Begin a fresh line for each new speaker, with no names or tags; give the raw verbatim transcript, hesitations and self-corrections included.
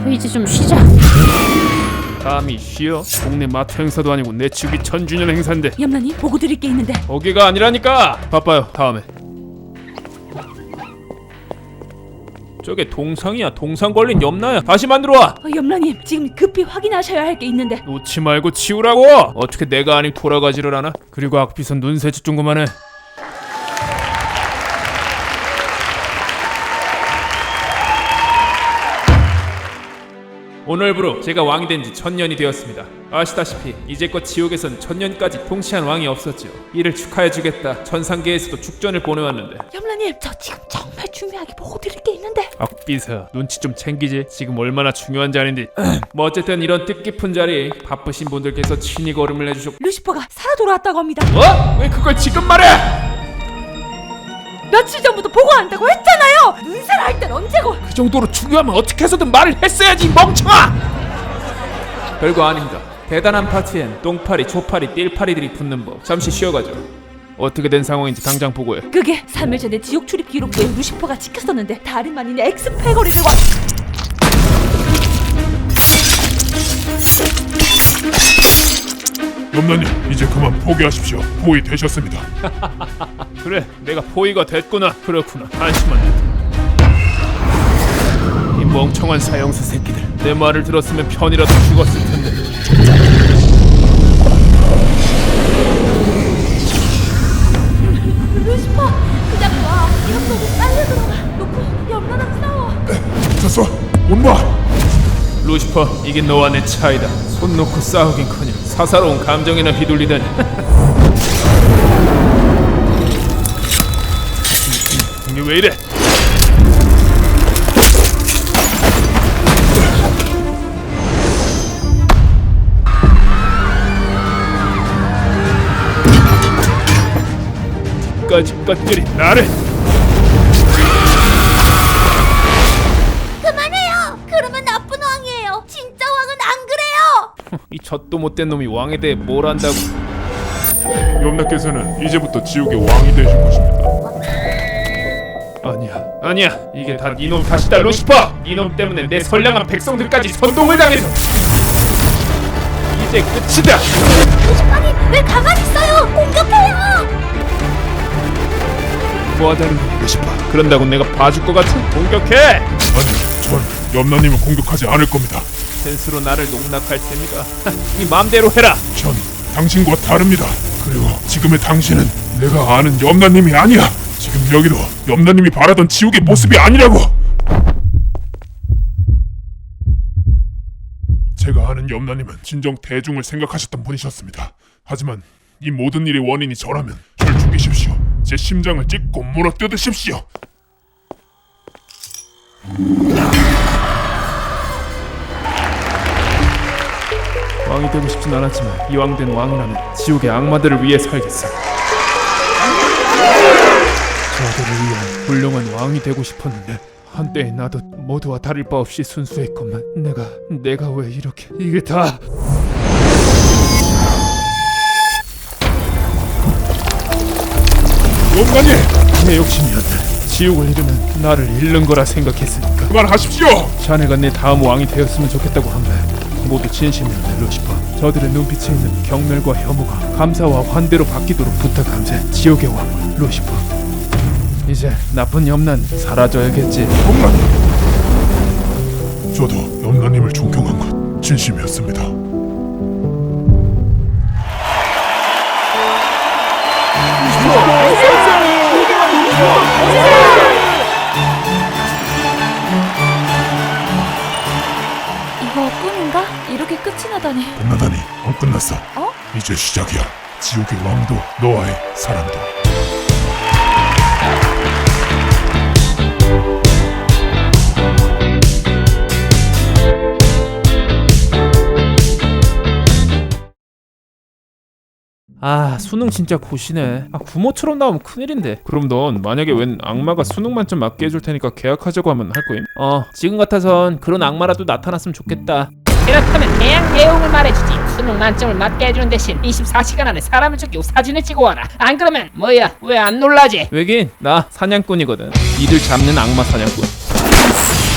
이제 좀 쉬자.
감히 쉬어? 동네 마트 행사도 아니고 내 치우기 천주년 행사인데.
염라님 보고 드릴 게 있는데.
거기가 아니라니까. 바빠요. 다음에. 저게 동상이야. 동상 걸린 염라야. 다시 만들어와.
어, 염라님 지금 급히 확인하셔야 할 게 있는데.
놓지 말고 치우라고. 어떻게 내가 아닌 돌아가지를 않아? 그리고 악비선 눈새짓 좀 그만해. 오늘부로 제가 왕이 된 지 천년이 되었습니다. 아시다시피 이제껏 지옥에선 천년까지 통치한 왕이 없었지요. 이를 축하해주겠다. 천상계에서도 축전을 보내왔는데.
염라님 저 지금 정말 중요하게 보고 드릴 게 있는데.
악비서 눈치 좀 챙기지. 지금 얼마나 중요한지 아닌데. 뭐 어쨌든 이런 뜻깊은 자리 바쁘신 분들께서 친히 걸음을 해주셨고.
루시퍼가 살아 돌아왔다고 합니다.
어? 왜 그걸 지금 말해?
며칠 전부터 보고한다고 했잖아요. 눈살 할 땐 언제고.
그 정도로 중요하면 어떻게 해서든 말을 했어야지 멍청아. 별거 아닙니다. 대단한 파티엔 똥파리, 초파리, 띨파리들이 붙는 법. 잠시 쉬어가죠. 어떻게 된 상황인지 당장 보고해.
그게 삼 일 전에 지옥 출입 기록부에 루시퍼가 찍혔었는데 다름 아닌 엑스패거리를 와.
염라님 이제 그만 포기하십시오. 포위 되셨습니다.
그래, 내가 포위가 됐구나. 그렇구나. 한심한 놈. 이 멍청한 사형수 새끼들. 내 말을 들었으면 편이라도 죽었을 텐데.
루시퍼 그냥 와. 이런 거고 빨리 들어가. 놓고 염라랑 싸워.
됐어. 온마.
루시퍼, 이게 너와 내 차이다. 손 놓고 싸우긴커녕 사사로운 감정이나 휘둘리다니. 이게 왜 이래? 까지 것들이 나를.
그만해요. 그러면 나쁜 왕이에요. 진짜 왕은 안 그래요.
이 젖도 못된 놈이 왕에 대해 뭘 안다고.
염라께서는 이제부터 지옥의 왕이 되실 것입니다.
아니야 아니야 이게 다 니놈 탓이다 루시퍼. 니놈 때문에 내 선량한 백성들까지 선동을 당해서 이제 끝이다.
루시퍼님 왜 가만히 있어요. 공격해요.
뭐하자는 거야 루시퍼. 그런다고 내가 봐줄 것 같아? 공격해.
아니요, 전 염라님을 공격하지 않을 겁니다.
센스로 나를 농락할 테니까 네 맘대로 해라.
전 당신과 다릅니다. 그리고 지금의 당신은 내가 아는 염라님이 아니야. 지금 여기도 염라님이 바라던 지옥의 모습이 아니라고. 제가 아는 염라님은 진정 대중을 생각하셨던 분이셨습니다. 하지만 이 모든 일의 원인이 저라면 절 죽이십시오. 제 심장을 찢고 물어뜯으십시오.
왕이 되고 싶진 않았지만 이왕 된 왕이라면 지옥의 악마들을 위해 살겠어. 저들을 위한 훌륭한 왕이 되고 싶었는데 한때의 나도 모두와 다를 바 없이 순수했건만 내가 내가 왜 이렇게 이게 다
염라님!
내 욕심이었다. 지옥을 잃으면 나를 잃는 거라 생각했으니까.
그만하십시오!
자네가 내 다음 왕이 되었으면 좋겠다고 한 말 모두 진심이었네 루시퍼. 저들의 눈빛에 있는 경멸과 혐오가 감사와 환대로 바뀌도록 부탁함세. 지옥의 왕 루시퍼. 이제 나쁜 염란 사라져야겠지.
염라님! 저도 염라님을 존경한 것 진심이었습니다.
이거 꿈인가? 이렇게 끝이 나다니.
끝나다니 안 끝났어.
어?
이제 시작이야. 지옥의 왕도 너와의 사랑도.
아 수능 진짜 고시네. 아 구모처럼 나오면 큰일인데. 그럼 넌 만약에 웬 악마가 수능 만점 맞게 해줄 테니까 계약하자고 하면 할 거임? 어 지금 같아선 그런 악마라도 나타났으면 좋겠다.
그렇다면 대학 내용을 말해주지. 수능 만점을 맞게 해주는 대신 이십사 시간 안에 사람을 죽이고 사진을 찍어와라. 안 그러면 뭐야 왜 안 놀라지?
왜긴 나 사냥꾼이거든. 이들 잡는 악마 사냥꾼.